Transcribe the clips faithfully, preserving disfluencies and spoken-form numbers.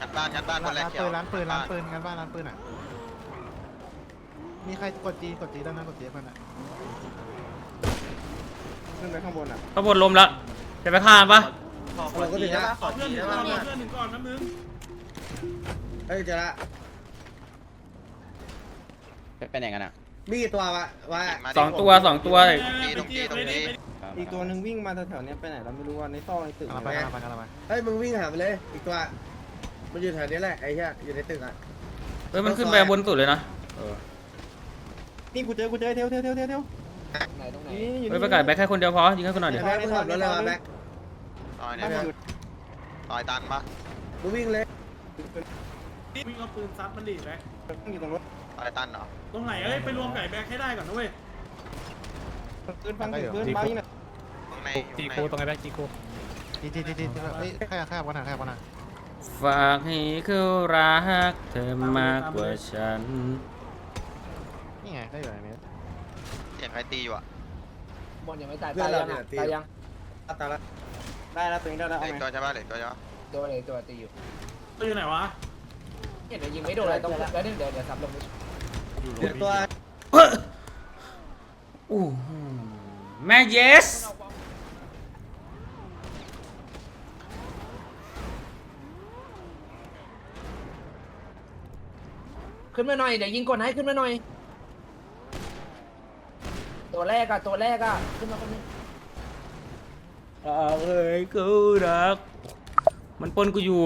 งัดบ้านงัดบ้านคนแรกเขียวร้านปืนร้านปืนร้านปืนงานบ้านร้านปืนอ่ะมีใครกดจีกดจีด้านนั้นกดจีเพื่อนอ่ะขึ้นไปข้างบนอ่ะข้างบนลมแล้วจะไปฆ่าปะเราก็ถึงแล้วขอเพื่อนหนึ่งก่อนเพื่อนหนึ่งก่อนนะมึงเฮ้ยเจอละไปไหนกันอ่ะมีกี่ตัววะวะสองตัวสองตัวตรงนี้ตรงนี้ตรงนี้อีกตัวหนึ่งวิ่งมาแถวๆนี้ไปไหนเราไม่รู้ว่าในซอกในตึกไปกันไปกันไปเฮ้ยมึงวิ่งหาไปเลยอีกตัวมันอยู่แถวนี้แหละไอ้เหี้ยอยู่ในตึกอ่ะเฮ้ยมันขึ้นไปบนสุดเลยนะนี่กูเจอกูเจอเทียวเทียวเทียวเทียวไหนตรงไหนเฮ้ยไปไก่แบกแค่คนเดียวพอยิงแค่คนหน่อยเดี๋ยวแบ็คมึงขับรถเลยมาแบ็คต่อยเนี่ยต่อยตันปะมึงวิ่งเลยวิ่งเอาปืนซัดมันดิแบ็คอยู่ตรงรถต่อยตันเหรอตรงไหนเอ้ยไปรวมไก่แบ็คให้ได้ก่อนนะเว้ยปืนฟังเสียงปืนบ้ายิงน่ะตรงในจีโคตรงไหนแบ็คจีโคจีจีจีจีเฮ้ยแค่แค่วันน่ะแค่วันน่ะฝากให้เขารักเธอมากกว่าฉันนี่ไงได้อยู่ในนี้เสียงใครตีอยู่อ่ะบอลยังไม่ตายเพื่อตาน ยเรายังเนี่ยตายยังตายละได้แล้วตัวเองได้แล้วเหเอาล็กไงตัวใช่ปะเหล็กตัวใช่ปะโดนเลยตัวตีอยู่ตัวอยู่ไหนวะเห็นไหมยิงไม่โดนเลยต้องแล้วเดี๋ยวเดี๋ยวเดี๋ยวซับลงไปเดี๋ยวตัวอู้หูแม่เยสขึ้นมาหน่อยเดี๋ยวยิงกดให้ขึ้นมาหน่อยตัวแรกอะตัวแรกอะขึ้นมาคนนึงฝากให้เขารักมันปนกูอยู่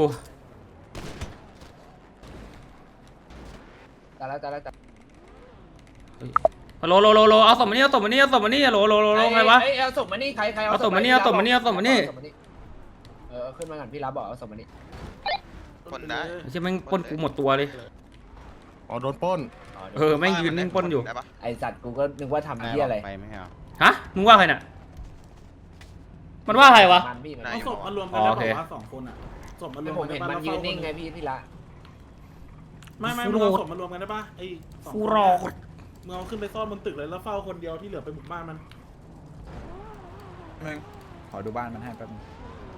ตายแล้วตายแล้วตายฮัลโหลโลโลโลเอาศพมานี่เอาศพมานี่เอาศพมานี่ฮัลโหลโลโลโลใครวะเอ้ยเอาศพมานี่ใครใครเอาศพมานี่เอาศพมานี่เอาศพมานี่เออขึ้นมาก่อนพี่รับบอกเอาศพมานี่คนได้ไม่ใช่แม่งปนกูหมดตัวเลยอ๋อโดนปล้นเออแม่งยืนนิ่งปนอยู่ได้ปะไอสัตว์กูก็นึกว่าทำเหี้ยอะไรไปไม่ใช่หรอฮะมึงว่าใครน่ะมันว่าใครวะมันพี่มันเอาศพมารวมกันได้บอกว่าสองคนอ่ะศพมารวมผมกันเห็นได้มันปะยืนนิ่งไงพี่พี่ละไม่ไม่มึงเอาศพมารวมกันได้ปะไอ้สองฟูคนรอมึงเอาขึ้นไปซ่อนบนตึกเลยแล้วเฝ้าคนเดียวที่เหลือไปบุกบ้านมันขอดูบ้านมันให้แป๊บนึง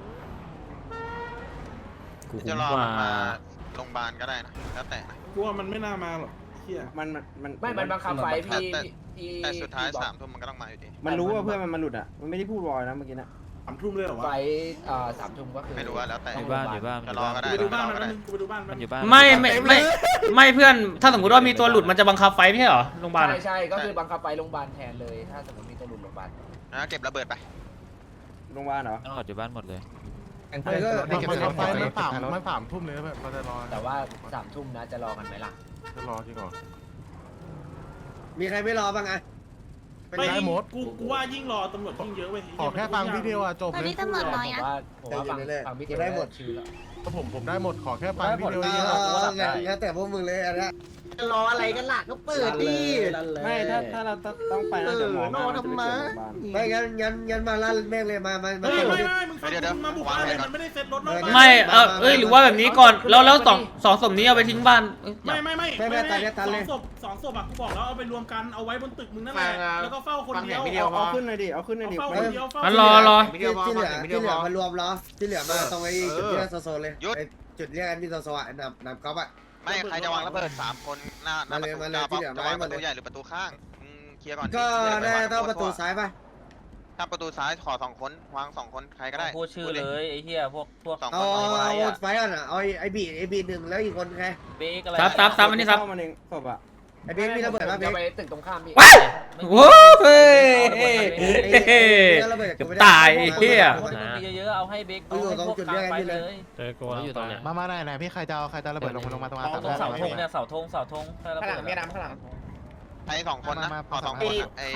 กูจะคุ้มรอกว่ามันมาโรงพยาบาลก็ได้นะแล้วแต่นะกูว่ามันไม่น่ามาหรอกเฮียมันมันไม่มันบังคับไฟพี่แต่พี่แต่สุดท้ายสามทุ่มมันก็ต้องมาอยู่ดีมันรู้ว่าเพื่อนมันมันหลุดอ่ะมันไม่ได้พูดวอยนะเมื่อกี้นะสามทุ่มเลยเหรอไฟวะอ่าสามทุ่มก็คือไม่รู้ว่าแล้วแต่ต้อองยู่บ้านอยู่บ้านจะรอก็กูได้ไปดูบ้านรอมันก็แป๊บได้นึงกูไปดูบ้านมัมัน นอยู่บ้านไม่ไม่ไม่ไม่เพื่อนถ้าสมมติว่ามีตัวหลุดมันจะบังคับไฟไม่ใช่เหรอโรงพยาบาลใช่อะใช่ก็คือบังคับไฟโรงพยาบาลแทนเลย ถ้าสมมติมีตัวหลุดโรงพยาบาลนะเก็บระเบิดไปโรงพยาบาลเหรอต้องออกจากบ้านหมดเลยเฮ้ยก็มันมันไฟมันสามมันสามทุ่มเลยแบบเราจะรอแต่ว่าสามทุ่มนะจะรอกันไหมล่ะจะรอจริงเหรอมีใครไม่รอบ้างไงไม่ได้หมดกูกูว่ายิ่งรอตำรวจยิ่งเยอะเว้ยขอแค่ฟังพี่เดียวอ่ะจบตอนเลยนี้ตำรวจน้อยผมนะว่าผมว่าฟังฟังพี่เทวได้หมดชื่อแล้วผมผมได้หมดขอแค่ฟังพี่เดียวเอเองอแล้วแต่พวกมึงเลยอันนี้รออะไรกันล่ะก็เปิดดิไม่ถ้าถ้าเราต้องไปนะเดี๋ยวหมอมาจะไปเจอโรงพยาบาลไม่งั้นงั้นงั้นมาลั่นแม่งเลยมามามาเฮ้ยเต็มไม่ที่ไม่มึงฟังมึงมาบุกบ้านเลยมันไม่ได้เซ็ตรถนอกบ้านไม่เออเอ้ยหรือว่าแบบนี้ก่อนแล้วแล้วสองสองศพนี้เอาไปทิ้งบ้านเอ้ยอย่าไม่ไม่ไม่สองศพสองศพอะกูบอกแล้วเอาไปรวมกันเอาไว้บนตึกมึงนั่นแหละแล้วก็เฝ้าคนเดียวเอาขึ้นหน่อยดิเอาขึ้นหน่อยดิเฝ้าคนเดียวเฝ้างั้นรอรอที่ที่เหลือที่เหลือมารวมเหรอที่เหลือมาตรงไอ้จุดเรียกโซโซเลยจุดเรียกอันนี้โซโซอ่ะนำนำก๊อฟอ่ะไม่ใครจะวางระเบิดสามคนหน้าหน้าประตูมาเลยจะมาเลยที่เหลือวางมาประเลยตูใหญ่หรือประตูข้างเคลียร์ก่อนก็ได้ต้องประตูซ้ายป่ะถ้าประตูซ้ายขอสองคนวางสองคนใครก็ได้พูดชื่อเลยไอ้เหี้ยพวกพวกสองเอาคนสองคนเอาไฟอ่ะเอาไอ้บีไอ้บีหนึ่งแล้วอีกคนใครเบรกอะไรซับซับซับอันนี้ซับมันเองศพอ่ะไอ้เบคมีระเบิดป่ะเบจะคไปตึกตรงข้ามพี่ว้ายโว้ยเกือบตายไอ้เหี้ยมีเยอะๆเอาให้เบรกเอาให้พวกกลางไปเลยเจอโกแล้วอยู่ตรงเนี้ยมามาไหนไหนพี่ใครจะเอาใครจะระเบิดลงมาลงมาตรงมาตรงเสาธงเนี่ยเสาธงเสาธงถ้าเราเปิดใครสองคนนะขอสองคนนะไอ้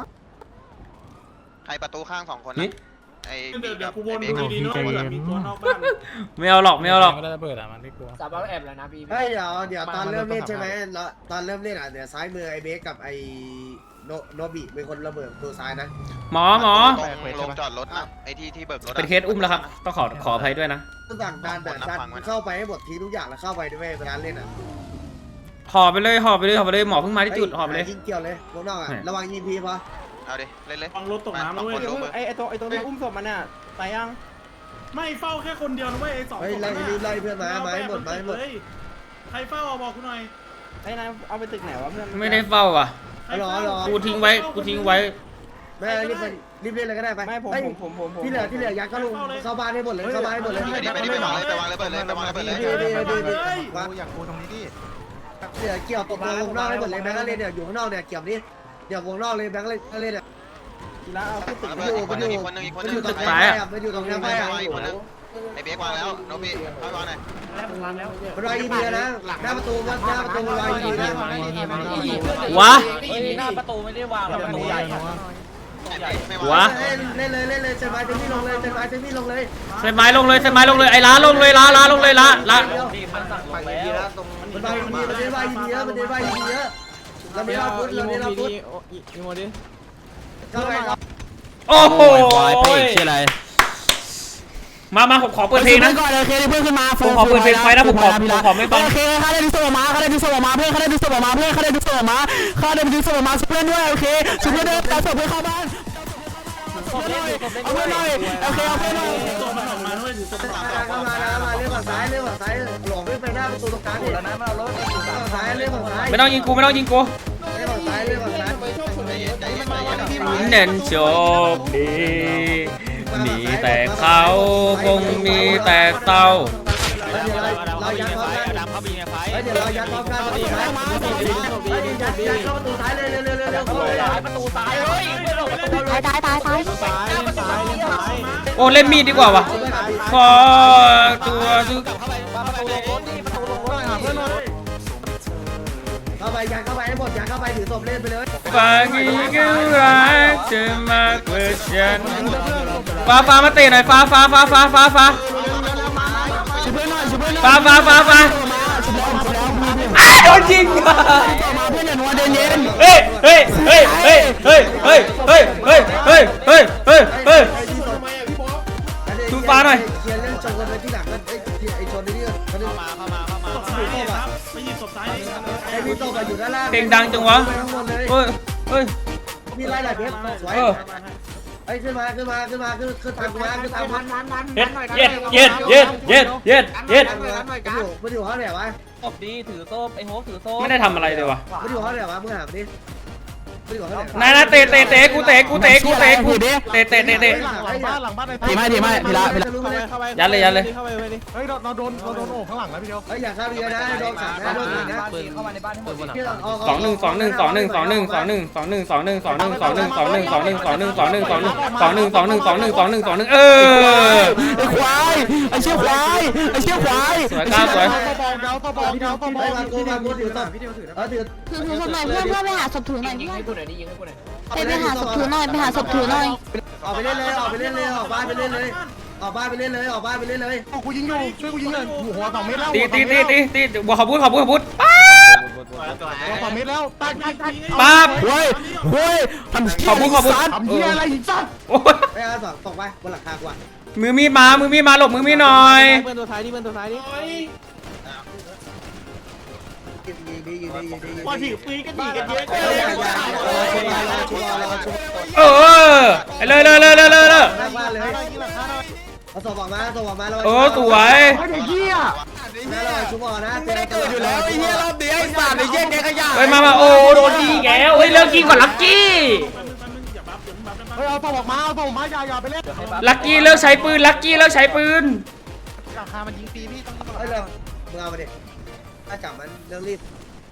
ใครประตูข้างสองคนนะไอ้เดี๋ยวเดี๋ยวกูวนไอ้ดูเบดีคๆนะเผื่อมีตัวนอกบ้านไม่เอาหรอกไม่เอาหรอกไม่ได้ระเบิดอ่ะมันไม่กลัวซับเอาแอบแล้วนะพี่เฮ้ยเดี๋ยวเดี๋ยวตอนเริ่มเล่นใช่ไหมแล้วตอนเริ่มเล่นอ่ะเดี๋ยวซ้ายมือไอ้เบคกับไอ้โนโนบิเป็นคนระเบิดตัวซ้ายนะหมอหมอตรงลงจอดรถนะไอ้ที่ที่เบิกรถเป็นเคสอุ้มแล้วครับต้องขอขออภัยด้วยนะต้องสั่งดันดันดันเข้าไปให้หมดทีทุกอย่างแล้วเข้าไปด้วยเวลาเล่นอ่ะห่อไปเลยห่อไปเลยห่อไปเลยหมอเพิ่งมาที่จุดห่อไปเลยยิงเกี่ยวเลยพวกนอกอ่ะระวังยิงพีพอเอาดิเล่นเลยฟังรถตกน้ำนะเว้ยไอ้ไอ้ตัวไอ้ตัวนี้อุ้มศพมันน่ะตายยังไม่เฝ้าแค่คนเดียวนะเว้ยไอ้สองเฮ้ยศพไล่นั้นรีบไล่เพื่อนมาไม้หมดไม้หมดเลยใครเฝ้าเอาบอกกูหน่อยไอ้นายเอาไปตึกไหนวะเพื่อนไม่ได้เฝ้าอ่ะใครเฝ้ากูทิ้งไว้กูทิ้งไว้ไม่รีบไปรีบเล่นเลยก็ได้ไปไม่ผมเฮ้ยผมผมผมผมที่เหลือที่เหลือยัดเข้าลงเข้าบ้านให้หมดเลยเข้าบ้านให้หมดเลยไปดิไปดิไปวางเลยไปวางเลยเปิดเลยไปวางเลยเปิดเลยดีดีดีดีเฮ้ยวางอยากกูตรงนี้ดิเหลือเกี่ยวตกลงวงนอกให้หมดเลยแบงค์ก็เล่นเนี่ยอยู่ข้างนอกเนี่ยเกี่ยวนี้เดี๋ยววงนอกเลยแบงค์ก็เล่นก็เล่นเนี่ยกีฬาเอาขึ้นตึกเปิดอีกคนนึงอีกคนนึงอีกคนมันนึอง ยู่ตรงไนี้ไปอ่ะมันอยู่ตรงนี้ไปอ่ะอ้เบกวางแล้วโนบิเข้าวางหน่อยมันรอยอีเดียนะหน้าประตูหน้าประตูรอยอีเดียนะวะเฮ้ยหน้าประตูไม่ได้วางหรอกประตูใหญ่ไม่วะวางเล่นเล่นเลยเล่นเลยเซนไม้เซนมี่ลงเลยเซนไม้เซนมี่ลงเลยใส่ไม้ลงเลยใส่ไม้ลงเลยไอ้ล้าลงเลยล้าล้าลงเลยล้าล้านี่มันสั่งลงแล้วมันรอยอีเดียมันเล่นรอยอีเดียมันเล่นรอยอีเดียเราไม่รับพุทธเราไม่รับพุทธอีโมดิเข้าไปครับโอ้โหมามาผมขอเปิดเพลงนะก่อนเลยเคเพื่อนขึ้นมาผมขอเปิดเพลงไฟนะผมขอผมขอไม่ฟังโอเคเขาได้ดูสมาเขาได้ดูสมาเพื่อนเขาได้ดูสมาเพื่อนเขาได้ดูสมาเขาได้ดูสมาเพื่อนด้วยโอเคชุดเพื่อนเดินแต่ศพเพื่อนเข้าบ้านเอาเพื่อนหน่อยโอเคเอาเพื่อนหน่อยตัวมันออกมาด้วยถือตัวมันออกเข้ามาเข้ามาเล่นฝั่งซ้ายเล่นฝั่งซ้ายหลงไปหน้าประตูตรงกลางดิฝั่งซ้ายเล่นฝั่งซ้ายไม่ต้องยิงกูไม่ต้องยิงกูเล่นฝั่งซ้ายเล่นฝั่งซ้ายใจเย็นใจเย็นใจเย็นเน้นโชคดีมีแต่เขาคงมีแต่เศร้าเรายัดพร้อมกันเดี๋ยวเรายัดพร้อมกันประตูซ้ายยัดยัดเข้าประตูซ้ายเลยเร็วเร็วเร็วเร็วเข้าเลยประตูตายเฮ้ยตายตายตายตายโอ้เล่นมีดดีกว่าวะขอตัวทุกเข้าไปยัดเข้าไปให้หมดยัดเข้าไปถือศพเล่นไปเลยฝากอีกรักเธอมากกว่าฉันฟ้าฟ้ามาเตะหน่อยฟ้าฟ้าฟ้าฟ้าฟ้าฟ้าชุบเพื่อนหน่อยชุบเพื่อนหน่อยฟ้าฟ้าฟ้าฟ้าอ้าโดนยิงมาเพื่อนอย่านัวเดินเย็นเฮ้ยเฮ้ยเฮ้ยเฮ้ยเฮ้ยเฮ้ยเฮ้ยเฮ้ยเฮ้ยเฮ้ยเฮ้ยเฮ้ย ชูฟ้าหน่อยเคลียร์เรื่องชนกันไปที่หลังกันไอ้ชนนี่เขาเข้ามาเข้ามาเข้ามาศพซ้ายครับไปหยิบศพซ้ายไอ้พี่โตมาอยู่ด้านล่างเพลงดังจังวะไปข้างบนเลยเฮ้ยเฮ้ยมีไล่หลายเพชรสวยไอ้ขึ้นมาขึ้นมาขึ้นมาขึ้นขึ้นทางกูมาขึ้นทางมันมันมันเย็ดเย็ดเย็ดเย็ดเย็ดเย็ดเย็ดมันอยู่มันอยู่ห้องไหนวะศพดีถือโซ่ไอ้โฮถือโซ่ไม่ได้ทำอะไรเลยวะมันอยู่ห้องไหนวะมึงหาดิมันอยู่ห้องไหนนายนะเตะเตะเตะกูเตะกูเตะกูเตะกูเตะเตะเตะเตะเตะหลังบ้านทีไม่ทีไม่ทีละทีละยัดเลยยัดเลยเฮ้ยเราเราโดนเราโดนโอ่งข้างหลังแล้วพี่เดียวเฮ้ยอย่าเข้าเยอะนะโดนสั่งนะโดนสั่งนะเข้ามาในบ้านให้หมดสองหนึ่งสองหนึ่งสองหนึ่งสองหนึ่งสองหนึ่งสองหนึ่งสองหนึ่งสองหนึ่งสองหนึ่งสองหนึ่งสองหนึ่งสองหนึ่งสองหนึ่งสองหนึ่งสองหนึ่งสองหนึ่งสองหนึ่งสองหนึ่งสองหนึ่งเออไอ้ควายไอ้เชี่ยควายไอ้เชี่ยควายสวยก้าวสวยไปมากูมากูถือต่อเออถือถือถือศพหน่อยเพื่อนเพื่อนไปหาศพถือหน่อยยิงเพื่อนให้กูหน่อยดิยิงให้กูหน่อยไปไปหาศพถือหน่อยไปหาศพถือหน่อยออกไปเล่นเลยออกไปเล่นเลยออกบ้านไปเล่นเลยออกบ้านไปเล่นเลยออกบ้านไปเล่นเลยกูยิงอยู่ช่วยกูยิงเลยหัวสองเมตรแล้วตีตีตีตีตีบัวขบุ้ขบุ้ขบุ้ป๊าหัวสองเมตรแล้วตายตายตายป๊าบเฮ้ยเฮ้ยทำขอบคุณขอบคุณทำเหี้ยอะไรอีกสัตว์โอ้ยไม่เอาสองตกไปบนหลังคากว่ามือมีดมามือมีดมาหลบมือมีดหน่อยเพื่อนตัวท้ายดิเพื่อนตัวท้ายดิยิงดียิงดียิงดีพอถือปืนก็ดีกันเยอะเอออย่าอย่าชุบรอรอชุบรอรอชุบเออเลยเลยเลยเลยเลยเลยหน้าบ้านเลยเอาศพออกมาศพออกมาแล้วเออสวยไอ้เหี้ยนะเราชุบออกนะไม่ได้เกิดอยู่แล้วไอ้เหี้ยรอบนี้ไอ้สัตว์ไอ้เหี้ยแกขยะเฮ้ยมามาโอ้โดนยิงแกวเฮ้ยเลิกยิงก่อนลักกี้อย่าบัฟอย่าบัฟกันเฮ้ยเอาตัวออกมาเอาตัวออกมาอย่าอย่าไปเล่นลักกี้เลิกใช้ปืนลักกี้เลิกใช้ปืนราคามันยิงปีพี่ต้องเฮ้ยเรามึงเอามาดิถ้าจับมันเรื่องรีบ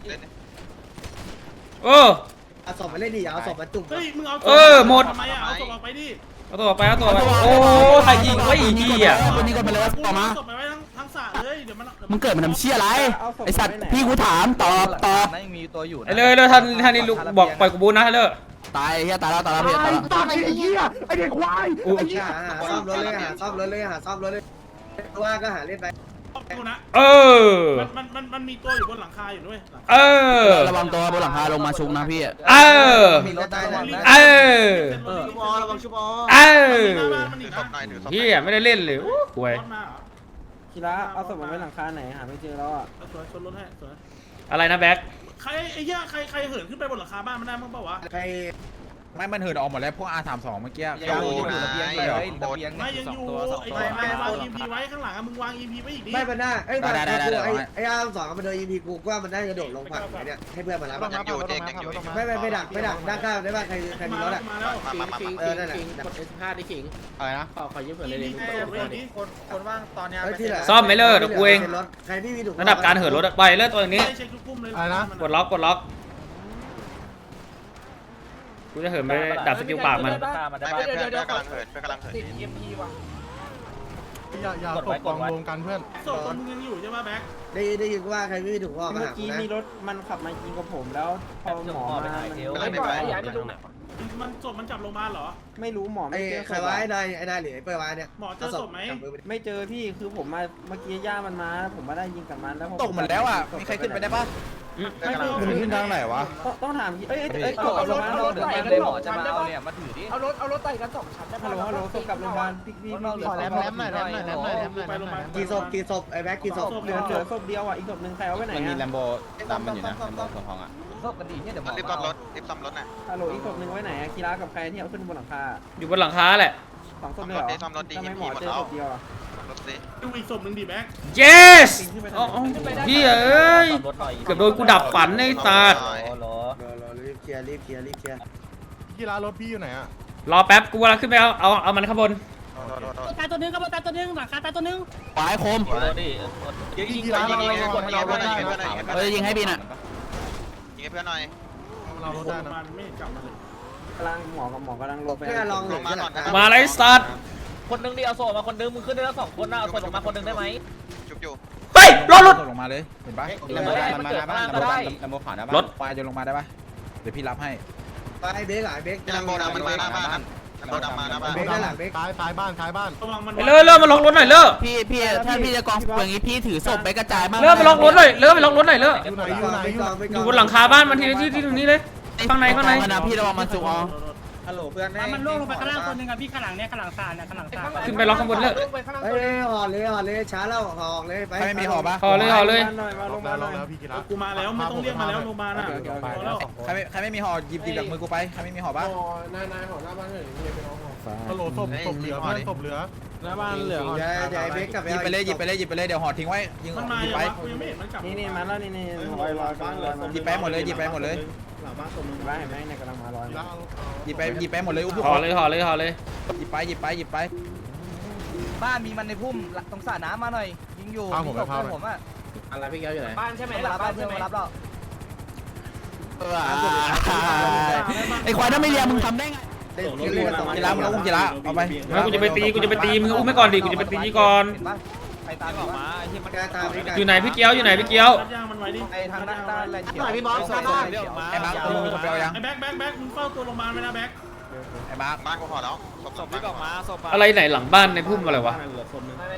เออเอาศพมาเล่นดิเอาศพมาจุ่มเฮ้ยมึงเอาเออหมดทำไมอ่ะเอาศพออกไปดิเอาตัวไปเอาตัวไปโอ้ใครยิงวะอีกทีอ่ะคนนี้ก็ไปเลยกูต่อมาเอาศพไปไว้ทั้งทั้งสระเลยเดี๋ยวมันมึงเกิดมันทำเชี่ยอะไรไอ้สัตว์พี่กูถามตอบตอบนั่นยังมีตัวอยู่ไอ้เลยเลยท่านท่านนี่ลูกบอกปล่อยกูบูนนะเลยตายเฮียตายแล้วตายแล้วพี่ตายแล้วตายไอ้เหี้ยไอ้เด็กควายอู้หาหาซ่อมรถเลยหาซ่อมรถเลยหาซ่อมรถเลยว่าก็หาเล่นไปกูนะเออมันมันมันมันมีตัวอยู่บนหลังคาอยู่ด้วยเออระวังตัวบนหลังคาลงมาชุกนะพี่เออมีรถได้เลยเออชุบอระวังชุบอเออมันหนีถือศนะพหน่อยถือศพเฮียไม่ได้เล่นเลยโอ้ห่วยรถมาเหรอกีฬาเอาศพมาไว้หลังคาไหนหาไม่เจอแล้วอ่ะเอาสวยชนรถให้สวยอะไรนะแบ็คใครไอ้เหี้ยใครใครเหินขึ้นไปบนหลังคาบ้านมันได้มั้งเปล่าวะใครไม่มันเหินออกหมดแล้วพวก อาร์ สามสิบสอง เมื่อกี้ยังอยู่อยู่ระเบียงอยู่เลยระเบียงไม่เนี่ยยังสอองยู่ตัวสองไอ้ตัวไม่วาง อี พี ไว้ข้างหลังอะมึงวาง อี พี ไว้อีกดิไม่เป็นหน้าไอ้แบบไอ้ไอ้อาร์สองมันเดินอีพีกูว่ามันได้กระโดดลงฝั่งไหนเนี่ยให้เพื่อนมารับยังอยู่เจ๊ยังอยู่ไม่ไม่ไม่ดักไม่ดักด้านข้างได้ป่ะใครใครมีรถอ่ะมาแล้วมามามาเออนั่นแหละกดเอสห้าได้ขิงอะไรนะขอขอยืมเผื่อเลยอีดิพีเปิดดิคนคนว่างตอนเนี้ยซ่อมไม่เลิกเดี๋ยวกูเองใครไม่มีถุงระดับการเหินรถอะไปเลิกตัวนี้เช็คทุกปุ่มเลยอะไรนะกดล็อกกดล็อกกูจะเหินไปดับสกิลปากมันมาได้ไม่ปะเพื่อนเพื่อนกำลังเหินเพื่อนกำลังเหินติด เอ็ม พี ว่ะอย่าอย่าตกกองรวมกันเพื่อนศพมึงยังอยู่ใช่ไหมแบ็คได้ได้ยินว่าใครไม่มีถุงห่อมาเมื่อหากี้นะมีรถมันขับมายิงกับผมแล้วพอหมอมาไม่ปล่อยย้ายไปตรงไหนมันศพมันจับโรงพยาบาลเหรอไม่รู้หมอไอ้ไม่เจอใครวะไอ้นายไอ้นายหรือไอ้เปิ้ลวะเนี่ยหมอเจอศพไหมไม่เจอพี่คือผมมาเมื่อกี้ย่ามันมา ผมมาได้ยิงกับมันแล้วตกหมดแล้วอ่ะมีใครขึ้นไปได้ปะไม่รู้มันขึ้นทางไหนวะต้องถามเอ้ยเอ้ยเอากับโรงพยาบาลรถเดินเลยหมอจะมาเอาเนี่ยมาถือดิเอารถเอารถไต่กันสองชั้นได้ฮัลโหลฮัลโหลส่งกับโรงพยาบาลพี่พี่พี่ขอแรมแรมหน่อยแรมหน่อยแรมหน่อยแรมหน่อยไปโรงพยาบาลกี่ศพกี่ศพไอ้แบ็คกี่ศพเหลือเหลือศพเดียวอ่ะอีกศพหนึ่งใครเอาไว้ไหนมันมีแลอ่ะมโบตามมันอยู่นะแลมโบสองทองอ่ะชอบกันดีเนี่ยเดี๋ยวหมอรีบซ่อมรถรีบซ่อมรถน่ะฮัลโหลอีกศพหนึ่งไว้ไหนอ่ะกีฬากับใครที่เอาขึ้นบนหลังคาอยู่บนหลังคาแหละสองศพเลยเหรอทำไมหมอเจอศพเดียวอ่ะรถสิดูอีกศพหนึ่งดิแบ็ค yes อ๋อพี่เอ้ยเกือบโดนกูดับฝันในตาดรอรอรอรอรีบเคลียร์รีบเคลียร์รีบเคลียร์กีฬารถพี่อยู่ไหนอ่ะรอแป๊บกูกำลังขึ้นไปเอาเอาเอามันข้างบนตายตัวนึงครับตายตัวนึงหลังคาตายตัวนึงปลายคมรอดิยิงยิงไปยิงยิงกดยิงให้เพื่อนหน่อยยิงให้เพื่อนหน่อยเฮ้ยยิงให้บินอ่ะยิงให้เพื่อนหน่อยเรารถได้นะมันไม่เห็นกลับมาเลยกำลังหมอกับหมอกำลังลงไปเพื่อนลองหนึ่งมาไรสัตว์คนนึงดิเอาโซ่มาคนนึงมึงขึ้นได้แล้วสองคนนะเอาโซ่ลงมาคนนึงได้ไหมจุกอยู่เฮ้ยรถรถลงมาเลยเห็นปะมันมาได้มันเกิดมาก็ได้แลมโบผ่านได้รถปลายจะลงมาได้ปะเดี๋ยวพี่รับให้ไปเบรกหลายเบรกลัมโบดำมันมาหน้าบ้านลัมโบดำมาหน้าบ้านเบรกด้านหลังเบรกท้ายท้ายบ้านท้ายบ้านระวังมันไปเลิกเลิกมาล็อกรถหน่อยเลิกพี่พี่ถ้าพี่จะกองอย่างนี้พี่ถือศพไปกระจายมากเลิกไปล็อกรถหน่อยเลิกไปล็อกรถหน่อยเลิกอยู่ไหนอยู่ไหนอยู่ไหนอยู่บนหลังคาบ้านมันทีละที่ที่ตรงนี้เลยข้างในข้างในนะพี่ระวังมันสุกอ๋อฮัลโหลเพื่อนมันล่วงลงไปข้างล่างตัวนึงอ่ะพี่ข้างหลังเนี่ยข้างหลังซานเนี่ยข้างหลังซานขึ้นไปล็อกข้างบนเลิกเฮ้ยห่อเลยห่อเลยช้าแล้วห่อเลยไปใครไม่มีหอปะห่อเลยห่อเลยหน่อยมาลลงงแล้มาว หลน่อยงแล้วพี่กีฬากูมาแล้วไม่ต้องเรียกมาแล้วโรงพยาบาลอ่ะพอแล้วใครไม่ใครไม่มีหอหยิบหยิบจากมือกูไปใครไม่มีหอปะนายนายหอหน้าบ้านเลยนี่เป็นห้องหอฮัลโหลศพศพเหลือเพื่อนศพเหลือหน้าบ้านเหลือเดี๋ยวเดี๋ยวเบรกกลับหยิบไปเลยหยิบไปเลยหยิบไปเลยเดี๋ยวหอทิ้งไว้ยิงมันมาหยิบอย่างไปวะกูยังไม่เห็นมันกลับนี่นี่มาแล้วนี่นี่ลอยลอยฟ้าลอยมาหยิบไปหมดเลยหยิบไปหมดเลยหลังบ้านตรงนึงบ้านเห็นไหมเนี่ยกำลังมาลอยกีฬาหยิบไปหยิบไปหมดเลยอุ้มห่อเลยห่อเลยห่อเลยหยิบไปหยิบไปหยิบไปบ้านมีมันในพุ่มตรงสระน้ำมาหน่อยยิงอยู่ผมอ่ะอะไรพี่แก้วอยู่ไหนบ้านใช่ไหมรับบ้านใช่ไหมรับแล้วไอ้ควายถ้าไม่เรียนมึงทำได้ไงเล่นเล่นสองกีฬามึงเอาอุ้มกีฬาเอาไปมากูจะไปตีกูจะไปตีมึงอุ้มไปก่อนดิกูจะไปตีก่อนใครตามออกมาที่มันแกตามอยู่ไหนพี่เกี้ยวอยู่ไหนพี่เกี้ยวรัดย่างมันไว้ดิไอ้ทางด้านด้านอะไรเขียวไอ้มาร์คมึงจะไปเอายังไอ้แบ็คแบ็คแบ็คมึงเฝ้าตัวโรงพยาบาลไว้นะแบ็คไอ้มาร์คบ้านกูพอแล้วศพศพที่ออกมาศพอะไรไหนหลังบ้านในพุ่มอะไรวะไม่ไม่